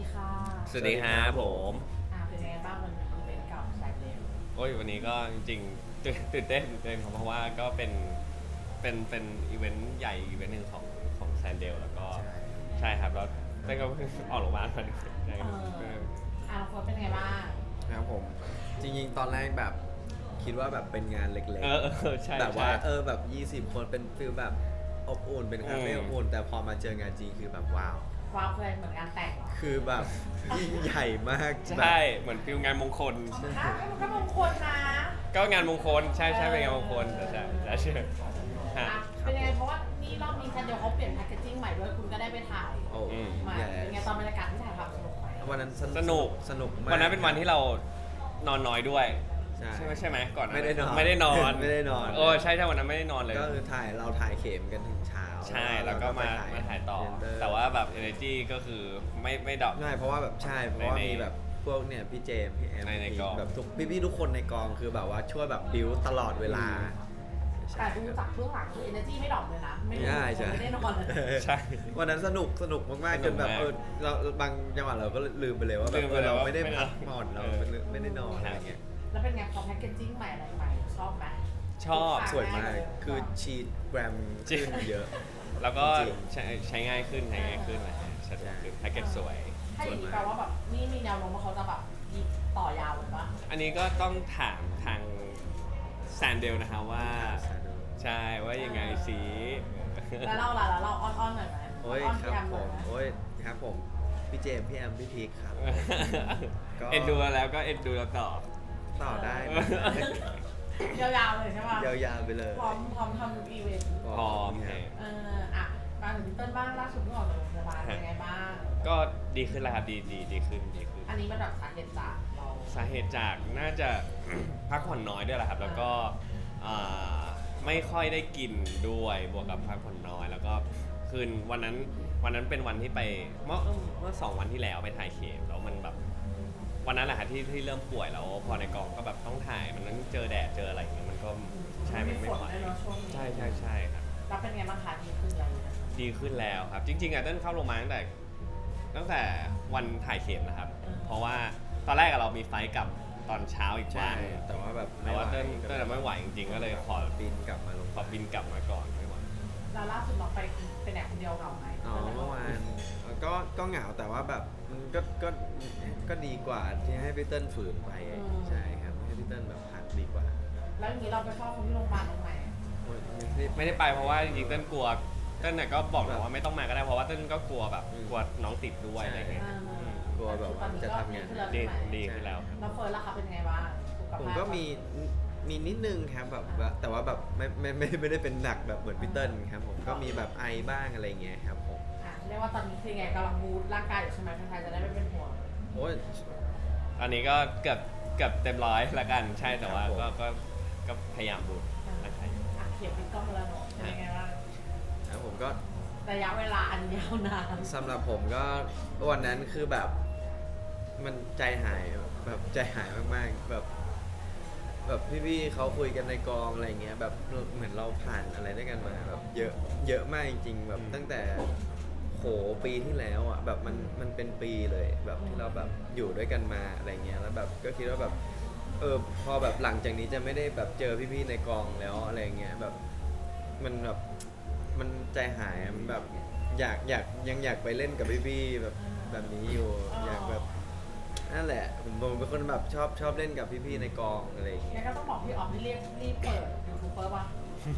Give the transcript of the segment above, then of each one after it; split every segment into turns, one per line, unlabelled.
ดีค่ะ
สวัสดีครับผม
เป็นยังไงบ้างมันอีเวนต์กับสายเลว
โอ้ยวันนี้ก็จริงๆตื่นเต้นครับเพราะว่าก็เป็นอีเวนต์ใหญ่อีเวนต์หนึ่งของแซนเดลแล้วก็ใช่ครับแล้วเต้นก็เพิ่งออกโรงพยาบาลมาด้วยใช่ครับ
โค้ชเป็นยังไงบ้าง
ครับผมจริงๆตอนแรกแบบคิดว่าแบบเป็นงานเล็ก
ใช่
ๆแบบว่า
ใช่
แบบ20 คนเป็นฟิลแบบอบอุ่นเป็นคาเฟ่อบอุ่นแต่พอมาเจองานจริงคือแบบว้าว
ว้าวเคยเหมือนงานแต่งเหรอ
คือแบบยิ่งใหญ่มาก
ใช่เหมือนฟิลงานมงคล
มันก็มงคลนะ
ก็งานมงคลใช่เป็นงานมงคลแต่ใช่
เป็นยังไงเพราะว่านี่รอบนี้แคนเดียวเขาเปลี่ยนแพคเกจจิ้งใหม่ด้วยคุณก็ได้ไปถ่าย
โอ้
มาเป็นไงตอนบรรยากาศที่ถ่ายทำสนุกไหม
วันนั้น
สนุก
มาก
วันนั้นเป็นวันที่เรานอนน้อยด้วยใช่ไหมก่อน
ไม่ได้นอน
ไม่ได้นอนโอ้ใช่วันนั้นไม่ได้นอนเลย
ก็คือเราถ่ายเข็มกันถึงเช้า
ใช่แล้วก็มาถ่ายต่อแต่ว่าแบบ energy ก็คือไม่ดรอป
ใช่เพราะว่าแบบเพราะว่ามีแบบพวกเนี่ยพี่เจมพี่แอม
ในกอง
แบบพี่ทุกคนในกองคือแบบว่าช่วยแบบบิวตลอดเวลา
แต่ดูจากเบื้องหลังคือ energy ไม่ดรอปเลยนะไม่ได้นอนเลย
ใช่
วันนั้นสนุกมากๆจนแบบเราบางจังหวะเราก็ลืมไปเลยว่าแบบเราไม่ได้พักผ่อนเราไม่ได้นอนอะไรเงี้ย
แล้วเป็นไงพอแพคเกจจิ้งใหม่อะไรใหม่ชอบไหม
ชอบ
สวยมากคือชีทแกรมขึ้นเยอะ
แล้วก็ใช้ง่ายขึ้นนะชัดขึ้นแพ็กเกจสวย
ถ้าอย่างนี้แปลว่าแบบนี่มีแนวโน้มว่าเขาจะแบบต่อยาวหรือเปล่า
อันนี้ก็ต้องถามทางแซนเดลนะคะว่าใช่ว่ายังไงสิ
แล้วเราอ้อนหน่อยไหม
โอ้ยครับผมครับผมพี่เจมพี่แอมพี่พีคครับ
เอ็นดูแล้วก็เอ็นดูแล้ว
ต่อได้
ยาวๆเลยใช่ป่ะ
ยาวๆไปเลย
พร้อมทำอีเวนต์
พร้อม
มาถึงพี่เติ้ลบ้างล่าสุดเพิ่งออกจากโรงพยาบาลเป็นไงบ้าง
ก็ดีขึ้นแล้วครับดีขึ้น
อันนี้มันแบบสาเหตุจากเรา
สาเหตุจากน่าจะพักผ่อนน้อยด้วยแหละครับแล้วก็ไม่ค่อยได้กินด้วยบวกกับพักผ่อนน้อยแล้วก็คืนวันนั้นเป็นวันที่ไปเมื่อ2 วันที่แล้วไปถ่ายเคมแล้วมันแบบวันนั้นแหละครับที่เริ่มป่วยแล้วพอในกองก็แบบต้องถ่ายมันต้องเจอแดดเจออะไรอย่างเงี้ยมันก็ใช่ไม่ไหวใช่ครับ
แล้วเป็นไงบ้างคะดีขึ้นแล้ว
ดีขึ้นแล้วครับจริงๆเต้นเข้าโรงพยาบาลตั้งแต่วันถ่ายเข็มนะครับเพราะว่าตอนแรกเรามีไฟกับตอนเช้าอีกวัน
แต่ว่าแบบ
เต้นไม่ไหวจริงๆก็เลยขอ
บินกลับมา
ก่อนไม่ไหว
แล้วล่าสุดเราไปไหนคนเดียวเหงาไหม
เมื่อวานก็เหงาแต่ว่าแบบมันก็ดีกว่าที่ให้พี่เติ้ลฝืนไปใช่ครับให้พี่เติ้ลแบบพักดีกว่า
แล้วอย่างนี้เราไปเฝ้าคนที่โรงพยาบาลตรงไหน
ไม่ได้ไปเพราะว่าจริงๆเต้นกลัวเต้นก็บอกว่าไม่ต้องมาก็ได้เพราะว่าเต้นก็กลัวแบบกลัวน้องติดด้วยอะไรเงี้ย
กลัวแบบจะทำงาน
ดีขึ้นแล้ว
แล้วเฟิร์นล่ะคะเป็นไงบ้าง
ผมก็มีนิดนึงครับแบบแต่ว่าแบบไม่ได้เป็นหนักแบบเหมือนพี่เติ้ลครับผมก็มีแบบไอบ้างอะไรเงี้ยครับผม
เรียกว่าตอนนี้คือไงกำลังบูตร่างกายอยู่ใช่ไหมใครจะได้ไม่เป็นห่วง
โอ้ย
ตอนนี้ก็เกือบเต็มร้อยละกันใช่แต่ว่าก็พยายามบูตร่างกาย
เขียนปิดกล้องแล้วเนาะเป็นยังไงบ้าง
ครับผมก็
ระยะเวลาอันยาวนาน
สำหรับผมก็วันนั้นคือแบบมันใจหายมากๆแบบพี่ๆเขาคุยกันในกองอะไรเงี้ยแบบเหมือนเราผ่านอะไรด้วยกันมาแบบเยอะมากจริงๆแบบตั้งแต่โหปีที่แล้วอ่ะแบบมันเป็นปีเลยแบบที่เราแบบอยู่ด้วยกันมาอะไรเงี้ยแล้วแบบก็คิดว่าแบบพอแบบหลังจากนี้จะไม่ได้แบบเจอพี่ๆในกองแล้วอะไรเงี้ยแบบมันแบบมันใจหายมันแบบยังอยากไปเล่นกับพี่ๆแบบนี้อยู่อยากแบบนั่นแหละผมเป็นคนแบบชอบเล่นกับพี่ๆในกองอะไรอย่างเงี้
ยก็ต้องบอกพี่ออฟให้รีบเปิดยูทูบเบอร์ป่ะ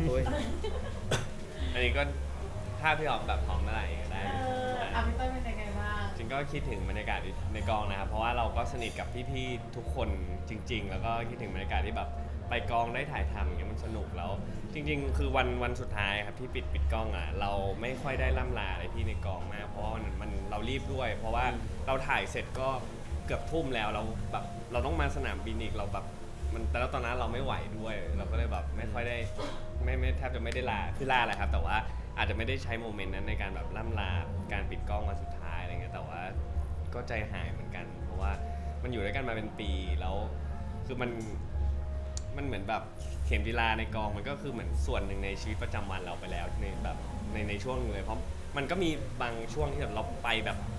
อันนี้ก็ถ้าพี่ออฟแบบพร้อมเมื่อไหร่ก็ได้
พี่เต้ยเป็นยังไงบ้าง
จริงก็คิดถึงบรรยากาศในกองนะครับเพราะว่าเราก็สนิทกับพี่ๆทุกคนจริงๆแล้วก็คิดถึงบรรยากาศที่แบบไปกองได้ถ่ายทำอย่างเงี้ยมันสนุกแล้วจริงๆคือวันสุดท้ายครับที่ปิดกล้องอ่ะเราไม่ค่อยได้ล่ำลาอะไรพี่ในกองมากเพราะว่ามันเรารีบด้วยเพราะว่าเราถ่ายเสร็จก็เกือบทุ่มแล้วเราแบบเราต้องมาสนามบินอีกเราแบบมันแต่แล้วตอนนั้นเราไม่ไหวด้วยเราก็เลยแบบไม่ค่อยได้ไม่แทบจะไม่ได้ลาคือลาแหละครับแต่ว่าอาจจะไม่ได้ใช้โมเมนต์นั้นในการแบบล่ำลาการปิดกล้องวันสุดท้ายอะไรเงี้ยแต่ว่าก็ใจหายเหมือนกันเพราะว่ามันอยู่ด้วยกันมาเป็นปีแล้วคือมันเหมือนแบบเข็มจีราในกองมันก็คือเหมือนส่วนหนึ่งในชีวิตประจำวันเราไปแล้วในแบบในช่วงนึงเลยเพราะมันก็มีบางช่วงที่แบบเราไปแบบ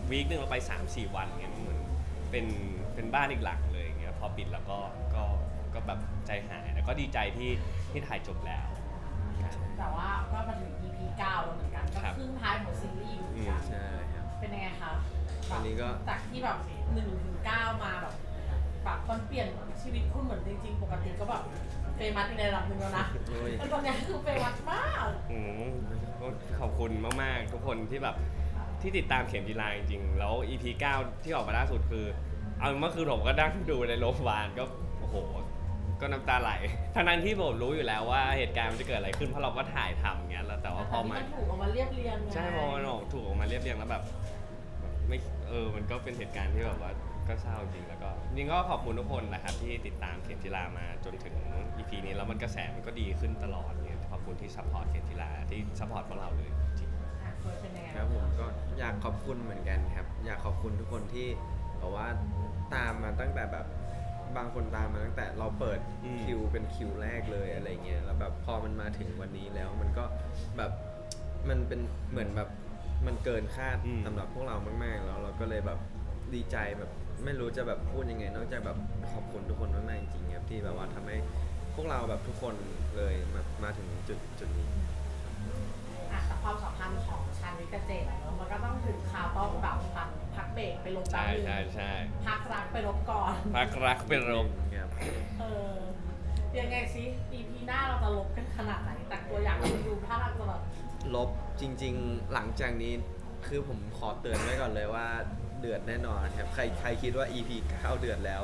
วีคนึงเราไป 3-4 วันเงี้ยมันเหมือนเป็นบ้านอีกหลังเลยอย่างเงี้ยพอปิดแล้วก็แบบใจหายแล้วก็ดีใจที่ถ่ายจบแล้ว
แต่ว่าก็มาถึง EP 9แล้วเหมือนกันก็
ครับ
ครึ่งท้ายของซีรีส์อยู่เหมือนกัน
ใช่ครับ
เป็นยังไงคะ
อันนี้ก็
จากที่แบบ1 ถึง 9มาแบบมันเปลี่ยนชีวิตคุณเหมือนจริงๆ ปกติก็แบบเฟมัสในระดับหนึ่งแล้วนะ
โอ้ย
แต่ตอนนี้คือเฟมัสมาก
ก็ขอบคุณมากๆทุกคนที่แบบที่ติดตามเข็มจีราจริงๆแล้ว EP 9 ที่ออกมาล่าสุดคือเอาเมื่อคืนผมก็นั่งดูในโรงพยาบาลก็โอ้โหก็น้ำตาไหลทั้งที่ผมรู้อยู่แล้วว่าเหตุการณ์มันจะเกิดอะไรขึ้นเพราะเราก็ถ่ายทำอย่างเงี้ยแล้วแต่ว่าพอมา
นถูกออกมาเรียบเรียงไง
ใช่พอมันออกถูกออกมาเรียบเรียงแล้วแบบไม่มันก็เป็นเหตุการณ์ที่แบบว่าก็เศร้าจริงแล้วก็จริงก็ขอบคุณทุกคนนะครับที่ติดตามเข็มจีรามาจนถึง EP นี้แล้วมันกระแสมันก็ดีขึ้นตลอดเนี่ยขอบคุณที่ซัพพอร์ตเข็มจีราที่ซัพพอร์ตพวกเราเลยจริง
อ่ะเฟิร์สเป็นยังไง
ครับผมก็อยากขอบคุณเหมือนกันครับ อยากขอบคุณทุกคนที่บอกว่าตามมาตั้งแต่แบบบางคนตามมาตั้งแต่เราเปิดคิวเป็นคิวแรกเลยอะไรเงี้ยแล้วแบบพอมันมาถึงวันนี้แล้วมันก็แบบมันเป็นเหมือนแบบมันเกินคาดสำหรับพวกเรามากๆแล้วเราก็เลยแบบดีใจแบบไม่รู้จะแบบพูดยังไงนอกจากแบบขอบคุณทุกคนมากๆจริงๆครับที่แบบว่าทำให้พวกเราแบบทุกคนเลยมาถึงจุดนี้
อ่ะแต่ความสัมพันธ์ของชาญวิทย์กับเจดอะมันก็ต้องถึงคราวต้องแบบพักเบรกไปลบ
ใช่
แป๊บนึง
ใช่
พักรักไปลบก่อน
พักรักเป็นโรค
ครับ
ยังไงซิ EP หน้าเราจะลบกันขนาดไหนแต่ตัวอย่างคุณดูถ้าเราจะแบบ
ลบจริงๆหลังจากนี้คือผมขอเตือนไว้ก่อนเลยว่าเดือดแน่นอนครับใครคิดว่า EP 9 เดือดแล้ว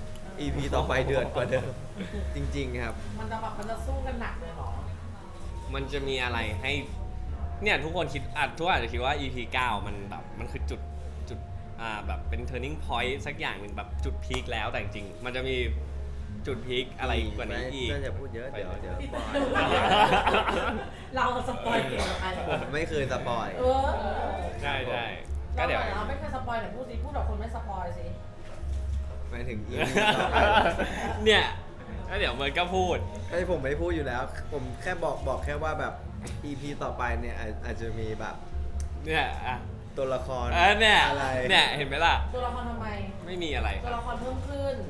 EP ต่อไปเดือดกว่าเดิม จริงๆครับ
มันจะสู้กันหนักเลยเหรอ
มันจะมีอะไรให้เนี่ยทุกคนคิดทุกคนอาจจะคิดว่า EP 9 มันแบบมันคือจุดแบบเป็น turning point สักอย่างหนึ่งแบบจุดพีคแล้วแต่จริงๆมันจะมีจุดพีคอะไรกว่านี้อีก
ไม่จะพูดเยอะเดี๋ยวปล่อย
เราสปอยเก่งกว่าใครเหรอ
ไม่เคยสปอย
ใช่ก็เดี๋ยว
เราไม่เคยสปอยแต่พูดสิพูดแบบคนไม่สปอยสิ
หมายถึง EP ต่อไป
เนี่ยแล้วเดี๋ยวมันก็พูด
ไอ้ผมไม่พูดอยู่แล้ว ผมแค่บอกแค่ว่าแบบ EP ต่อไปเนี่ยอาจจะมีแบบ
เนี่ยอ่ะ
ตัวละคร
เนี่ย
อะไร
เนี่ยเห็นไหมล่ะ
ตัวละครทำไม
ไม่มีอะไรค
ตัว
รับ
ละครเพิ่มขึ้น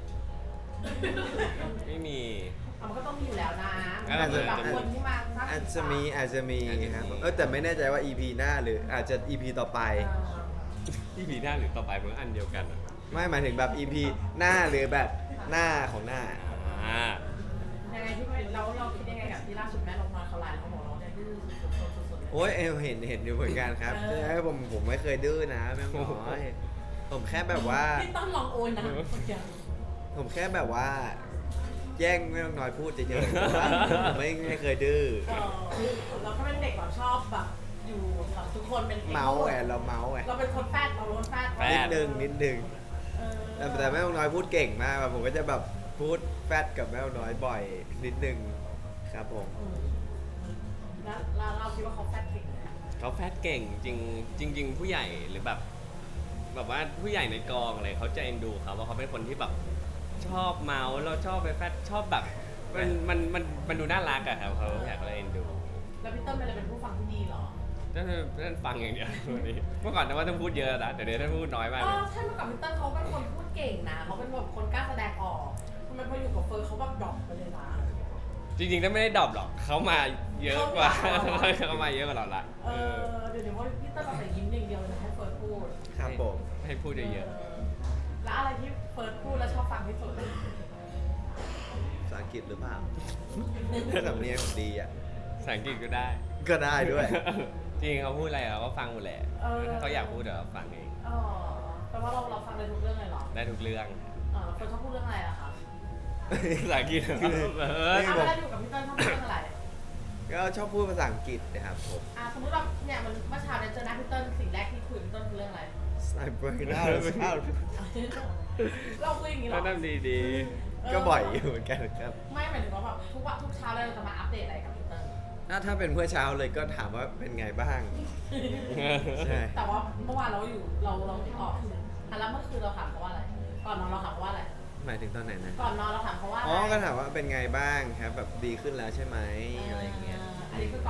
ไม่มี
มันก็ต้องมีอยู่แล้วนะ
อาจจะ
แบบคนที่มาสร้าง
อาจจะมีครับแต่ไม่แน่ใจว่า EP หน้าหรืออาจจะ EP ต่อไป
ที่ผีหน้าหรือต่อไปมันก็อันเดียวกันอะ
ไม่หมายถึงแบบ EP หน้าหรือแบบหน้าของหน้า
อ่า
ยังไงที่เราคิดยังไงกับที่ล่าสุดแม่ลงมาเขาไลน์เขาบอกเราเนี่ยดื้อสุดๆ
โอ้ยเห็นอยู่เหมือนกันครับใช่ผมไม่เคยดื้อนะแม่งน้อยผมแค่แบบว่า
พี่ต้นลองโอนนะคนเดียว
ผมแค่แบบว่า แย่งแม่น้อยพูดเฉยๆแต่ว่าผมไม่เคยดื้อ
เราก็เป็นเด็กแบบชอบแบบอยู่กับทุกคนเป็น
เมาส์แอนเราเมาส์แอน
เราเป็นคนแฟดเราล้นแฟด
นิดนึงแต่แม่น้อยพูดเก่งมากแบบผมก็จะแบบพูดแฟดกับแม่น้อยบ่อยนิดนึงครับผม
แล้วเราคิดว่าเขาแฟดเก่งไหม
เขาแฟดเก่งจริง ผู้ใหญ่หรือแบบว่าผู้ใหญ่ในกองอะไรเขาจะเอ็นดูเขาว่าเขาเป็นคนที่แบบชอบเมาส์เราชอบไปแฟดชอบแบบมันดูน่ารักอะครับเขาอยากเลยเอ็นดู
แล้วพี่ต้นเป็นอะไรเป็นผู้ฟังที่ดีเหรอ
นั่นฟังอย่างเดียววันนี้เมื่อก่อนนะว่าต้องพูดเยอะนะแต่เดี๋ยวท่านพูดน้อยมากเลย
ใช่เมื่อก่อนพี่ต้นเขาเป็นคนพูดเก่งนะเขาเป็นแบบคนกล้าแสดงออกทำไมพออยู่กับเฟิร์นเขาแบบดรอปไปเลยนะ
จริงๆถ้าไม่ได้ดรอปหรอกเขามาเยอะกว่า เขามาเยอะกว่าเราละ
เดี๋ยวว่าพี่ต้นเอาแต่ยิ้มอย่างเดียวเลยให้เฟิร์นพูด
ครับผม
ให้พูดเยอะ
แล้วอะไรที่เฟิร์นพูดแล้วชอบฟังที่สุด
ภาษาอังกฤษหรือเปล่าสำเนียงผมดีอ่ะ
ๆภาษาอังกฤษก็ได้
ก็ได้ด้วย
จริงเขาพูดอะไรเราก็ฟังหมดแหละถ้าเขาอยากพูดเดี๋ยวเราฟังเอง
แปลว่าเราฟังได้ทุกเรื่องเลยเหรอ
ได้ทุกเรื่อง
เฟิร์นชอบพูดเรื่องอะไรล่ะคะ
ภาษาอังกฤษ
คือ
เวลาอยู่กับพี่ต้นชอบพูดเรื่องอะไร
ก็ชอบพูดภาษาอังกฤษนะครับผม
สมมติว่าเนี่ยมันเมื่อเช้าเนี่ยเจอหน้าพี่ต้นสิ่งแรกที่คุยกับพี่ต้นคือเรื่องอะไร
I break it out
เราคุยอย่างนี้เหร
ก็
อ
นั่นดี
ก็บ่อยอยู่เหมือนกันครับ
ไม่หมายถึงว่าแบบทุกเช้าเลยเราจะมาอัปเดตอะไรกับพี่เติ้ล
ถ้าเป็นเมื่อเช้าเลยก็ถามว่าเป็นไงบ้าง ใช่
แต่ว่าเมื่อวานเราอยู่เราออกแล้วเมื่อคืนเราถามเขาว่าอะไร ก่อนนอนเราถามเขาว่าอะไร
หมายถึงตอนไหนนะ
ก่อนนอนเราถามเขาว่า
อ๋อ ก็ถามว่าเป็นไงบ้างครับ แบบดีขึ้นแล้วใช่ไหมอะไรอย่างเงี้ย
อันนี้คือก่อนนอนแล้ว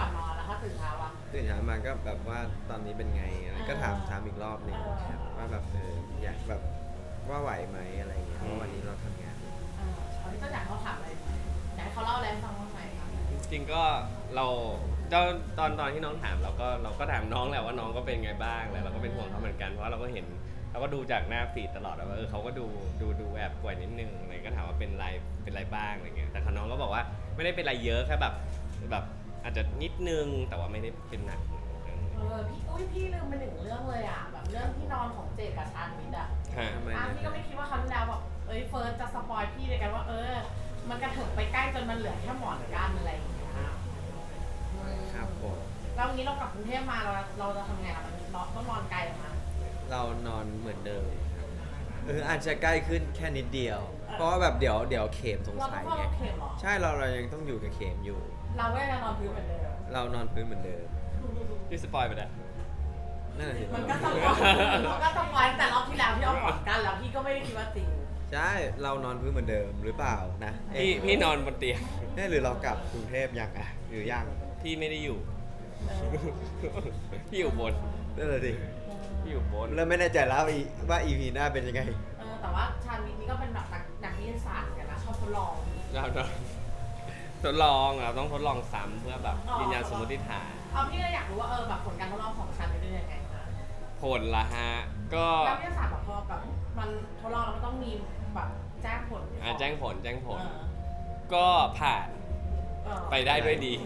ถ้าตื่นเช้าอะ
ตื่นเช้ามาก็แบบว่าตอนนี้เป็นไงก็ถามอีกรอบหนึงครับว่าแบบอยากแบบว่าไหวไหมอะไรอย่างเงี้ยเพราะวันนี้เราทำงาน
เขาที่ก็อยากเขาถามอะไรอยากให้เขาเล่าอะไรให้ฟังบ้างไหมคะ
จริงๆก็เราตอนที่น้องถามเราก็ถามน้องแหละว่าน้องก็เป็นไงบ้างแล้วเราก็เป็นห่วงเขาเหมือนกันเพราะเราก็เห็นเราก็ดูจากหน้าฟีดตลอดว่าเขาก็ดูแอบป่วยนิดนึงอะไรก็ถามว่าเป็นไรบ้างอะไรเงี้ยแต่น้องก็บอกว่าไม่ได้เป็นไรเยอะแค่แบบอาจจะนิดนึงแต่ว่าไม่ได้เป็นหนัก
พี่ลืมไปหนึ่งเรื่องเลยอ่ะแบบเรื่องที่นอนของเจดกับชาญวิทย์อ่ะ
ฮะ
ทำไม
พี่ก็ไม่คิดว่าครั้งที่แล้วแบบเฟิร์สจะสปอยพี่เลยกันว่ามันกระเถิบไปใกล้จนมันเหลือแค่หมอนกันอะไรอย่างเงี้ย
ครับผม
แล้ววันนี้เรากลับกรุงเทพมาเราจะทำไงอ่ะมันต้องนอนไกลเหรอคะ
เรานอนเหมือนเดิมครับอาจจะใกล้ขึ้นแค่นิดเดียว เพราะว่าแบบเดี๋ยวเข็มสง
เราต้
สั
อง
ย
เฝ้า
ไง
เข็มเหรอ
ใช่เรายังต้องอยู่กับเข็มอยู่
เราก็ยังนอนพื้นเหมือนเดิม
เรานอนพื้นเหมือนเดิม
พี่สปอยไปแล้ว
นั่นแหละสิ
มันก็สปอยแต่รอบที่แล้วที่เอาหมอนกันแล้วพี่ก็ไม่ได้คิดว่าจริง
ใช่เรานอนพื้นเหมือนเดิมหรือเปล่านะ
พี่นอนบนเตียง
หรือเรากลับกรุงเทพยังอ่ะหรือยัง
พี่ไม่ได้อยู่
เออ
พี่อยู่บน
นั่นแหละสิ
พี่อยู่บน
เริ่มไม่แน่ใจแล้วว่า EP หน้าเป็นยังไง
แต่ว่าชาญวิทย์นี่ก็เป็นแบบนักวิทยาศาสตร์เหมือนกันนะชอบทดลอง
เราทดลองเราต้องทดลองซ้ำเพื่อแบบยืนยันสมมติฐาน
พี่ก็อยากรู้ว่าแบบผลการทดลองของชาญวิทย์เป็นยังไงคะ
ผลละฮะก็
นักวิทยาศาสตร์แบบพอแบบมันทดลองแล้วมันต้องมีแบบแจ้งผล
แจ้งผล
เออ
ก็ผ่าน
เออ
ไปได้ด้วยดี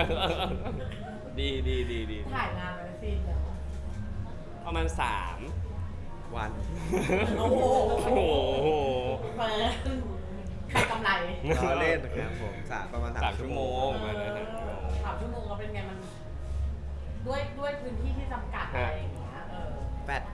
ดี
ถ่ายงานไปซีนแล้ว
ประมาณ3
วัน
โอ้โห
โอ้โห
เปิดใครกำไร
เราเล่นนะครับผมประมาณ
3 ชั่วโมงมานะฮะ
3 ชั่วโมงก็เป็นไงมันด้วยพื้นที่ที่จำกัดอะไรอย่างเงี้ย
แปด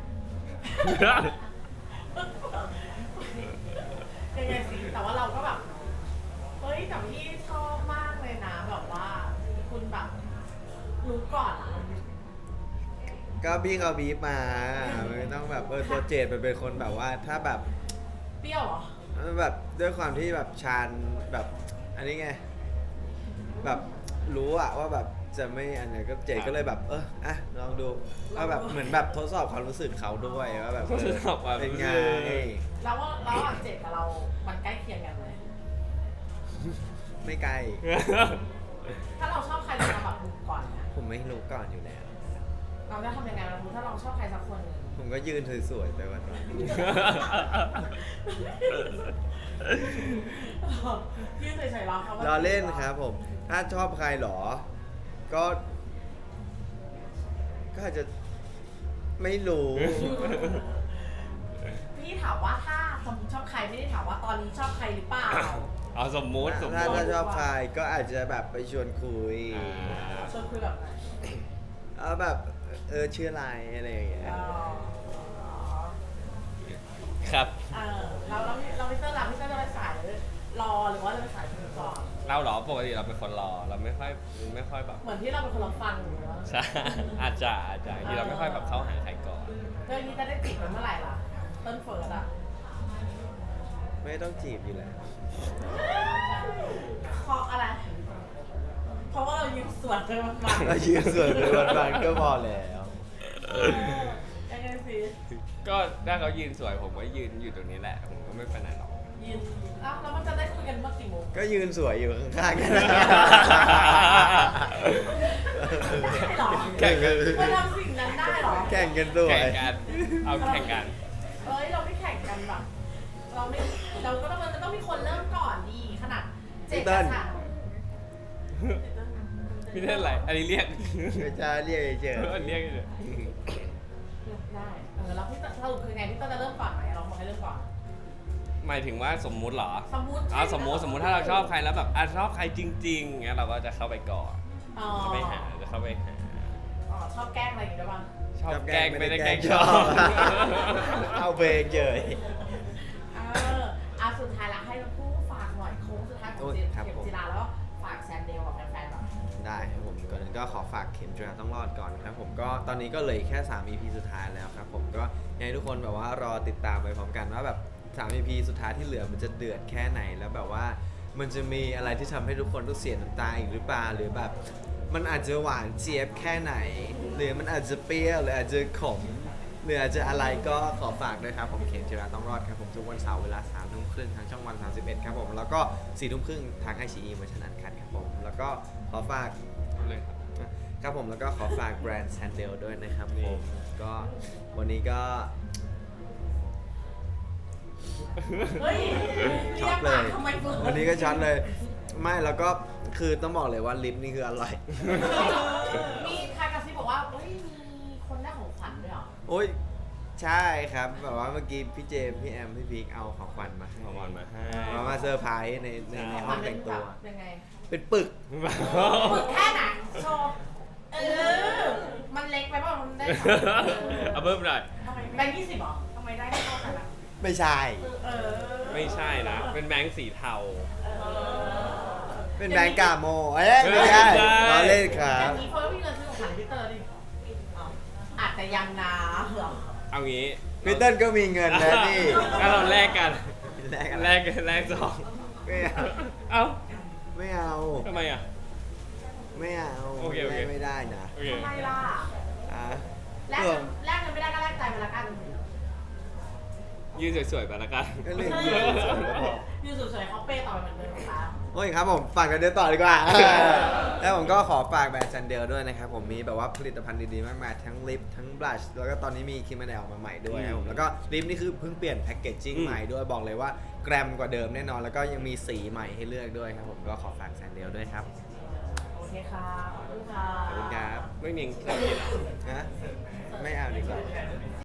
ยังไงสิแต่ว่าเราก็แบบแต่พี่ชอบมากเลยนะแบบว่าคุณแบบรู้ก่อนอะ
ก็พี่เขาบีบมาไม่ต้องแบบตัวเจดเป็นคนแบบว่าถ้าแบบ
เปรี้ยวเหรอ
แบบด้วยความที่แบบชาญแบบอันนี้ไงแบบรู้อะว่าแบบจะไม่อันไหนก็เจดก็เลยแบบลองดูว่าแบบเหมือนแบบทดสอบความรู้สึกเขาด้วยว่าแบบ
ทดสอบความรู้สึก
เป็นไง
แล้วว่าระหว่างเจ็ดกับเรา มันใกล้เคียงกันไหม
ไม่ไกล
ถ้าเราชอบใครเราแบบรู้ก่อนนะ
ผมไม่รู้ก่อนอยู่แล้ว
เราจะทำยังไงเรารู้ถ้าเราชอบใครสักคนหนึ่ง
ผมก็ยืนสวยๆไปวัน
ยื่นเฉยๆรอเขา
ๆรอเล่นครับผม ถ้าชอบใครหรอ ก็อาจจะไม่รู้
พี่ถามว่าถ้าสมมติชอบใครไม่ได้ถามว่าตอนนี้ชอบใครหรือเปล่า
เอาสมมุติ
ถ้าชอบใครก็อาจจะแบบไปชวนคุย
ชวนคุยแบบไหน
เอาแบบชื่ออะไรอะไรอย่างเงี้ย
ครับ
เราพี่เตอร์พี่เตอร์จะไปสายรอหรือว่าจะไปสายคุยก่อน
เราเหรอปกติเราเป็นคนรอเราไม่ค่อยแบบ
เหมือนที่เราเป็นคนรับฟังอยู่นะ
ใช่ อาจจะที่เราไม่ค่อยแบบเข้าหาใครก่อน
เรื่องนี้จะได้จีบกันเมื่อไหร่ล่ะต้นเฟิร์สอะ
ไม่ต้องจีบอยู่แล้ว
เพราะอะไร เพราะว่าเรายืนสวนกันมา
เรายืนสวยไปวันๆก็พอแล้ว
ยังไงสิ
ก็ถ้าเขายืนสวยผมก็ยืนอยู่ตรงนี้แหละผมก็ไม่ไปไหนหรอก
ยืนแล้วมันจะได้คุยกันเมื่อกี่โมง
ก็ยืนสวยอยู่ข้างๆกัน
ได้หรอ
แข่งกัน
มันทำสิ่งนั้นได้หรอ
แข่งกันสวย
แข่งกันเอาแข่งกัน
เราไม่แข่งกันแบบเราก็ต้องมีคนเริ่มก่อนดีขนาดเจ็ดกระสัน
พี่เล่นอะไรอันนี้เรียก
ไม่ใช่เรียกเฉย
อันเรียกเฉย
ได้แล้วพี่สรุปคือไงพี่จะเริ่มก่อนไหมเราบอกให้เริ่มก่อน
หมายถึงว่าสมมุติเหรอ
สมมุติ
สมมุติถ้าเราชอบใครแล้วแบบชอบใครจริงๆเงี้ยเราก็จะเข้าไปก่อน
อ๋อ
เข้าไปหาจะเข้าไปหา
ชอบแกล้งอะไรอย่างงี้ด้วยป่ะ
ชอบแกล้งไม่ได้แกล้งชอบ
เอาเบรกเฉย
สุดท้ายละให้เราพูดฝากหน่อยโค้งสุดท้ายของเข็มจีราแล้วฝากแซมเดลกับแฟนๆแบบ
ได้ครับผมก่อนอื่นก็ขอฝากเข็มจุฬาต้องรอดก่อนครับผมก็ตอนนี้ก็เหลยแค่3 EP สุดท้ายแล้วครับผมก็อยากให้ทุกคนแบบว่ารอติดตามไปพร้อมกันว่าแบบ3 EP สุดท้ายที่เหลือมันจะเดือดแค่ไหนแล้วแบบว่ามันจะมีอะไรที่ทำให้ทุกคนต้องเสียน้ำตาอีกหรือเปล่าหรือแบบมันอาจจะหวานเจี๊ยบแค่ไหน หรือมันอาจจะเปรี้ยวหรืออาจจะขมหรืออาจจะอะไรก็ขอฝากด้วยครับผมเคนจิราต้องรอดครับผมทุกวันเสาร์เวลา3 ทุ่มครึ่งทางช่องวัน31ครับผมแล้วก็4 ทุ่มครึ่งทางไอชีอีเวอร์ชันอันคัดครับผมแล้วก็ขอฝาก
เลยครับ
ครับผมแล้วก็ขอฝากแบรนด์แซนเดลด้วยนะครับ
นี่
ผมก็วันนี้ก็
เฮ้ย
ช็อตเลย
ทำไมเฟิร์
วันนี้ก็ช็อตเลย ไม่แล้วก็คือต้องบอกเลยว่าลิปนี่คืออร่อย
มีใครกระซิบบอกว่าเฮ้ยมีคนได้ของขวัญด้วยเหรอ
โอ้ยใช่ครับแบบว่าเมื่อกี้พี่เจมส์พี่แอมพี่พีคเอาของขวัญมาให้
ขอวันมาให้
มาเซอร์ไพรส์ในห้องแต่งตัว
ยังไง
เป็นปึก
ฝึกแค่ไหนโชว์มันเล็กไปเปล่ามันได้ของ
เอาเพิ่มหน่อย
ทำไมแบงค์20เหรอทำไมได้เท่ากันอ่ะ
ไม่ใช่
เออ
ไม่ใช่นะ เป็นแบงค์สีเทา
เป็นแบงก์กาโมเอ้ยไม่ใช่
ไม่ใช่
เราเล่นครั
อบ ย่างนี้เฟิร์สมีเงินซื้อของขวัญพี่เตอร์ดิอาจจะยังนะเหรอ
เอางี้
พี่เติ้ลก็มีเงินนะนี่
งั้นเราแลกกัน
แลกอะไร
แลกซอง
ไม่เอา
เอ้า
ไม่เอา
ทำไมอ่ะ
ไม่เอา
โอเคโอเค
แลกไม่ได้นะ
โอเค
ทำไมล่ะ
อ่ะ
แลกเงินไม่ได้ก็แลกใจมาละกัน
ยืนสวยๆไปละกัน
ก็เรื่องยืนสวยๆก็พอ
ยูสวยๆเขาเป้ต่อไปเหมือนเดิมนะคะ
โอ้ยครับผมฝากกันเดินต่อดีกว่า แล้วผมก็ขอฝากแบรนด์ซันเดลด้วยนะครับผมมีแบบว่าผลิตภัณฑ์ดีๆมากมายทั้งลิปทั้งบลัชแล้วก็ตอนนี้มีครีมกันแดดออกมาใหม่ด้วยครับผมแล้วก็ลิปนี่คือเพิ่งเปลี่ยนแพ็กเกจจิ้ง
อืม
ใหม่ด้วยบอกเลยว่าแกรมกว่าเดิมแน่นอน แล้วก็ยังมีสีใหม่ให้เลือกด้วยครับผมก็ขอฝากซันเดลด้วยครับ
โอเคค่ะขอบคุณค่ะ
ขอบคุณครับ
ไม่มีเครื่องกินเหรอ
นะไม่เอาดีกว่า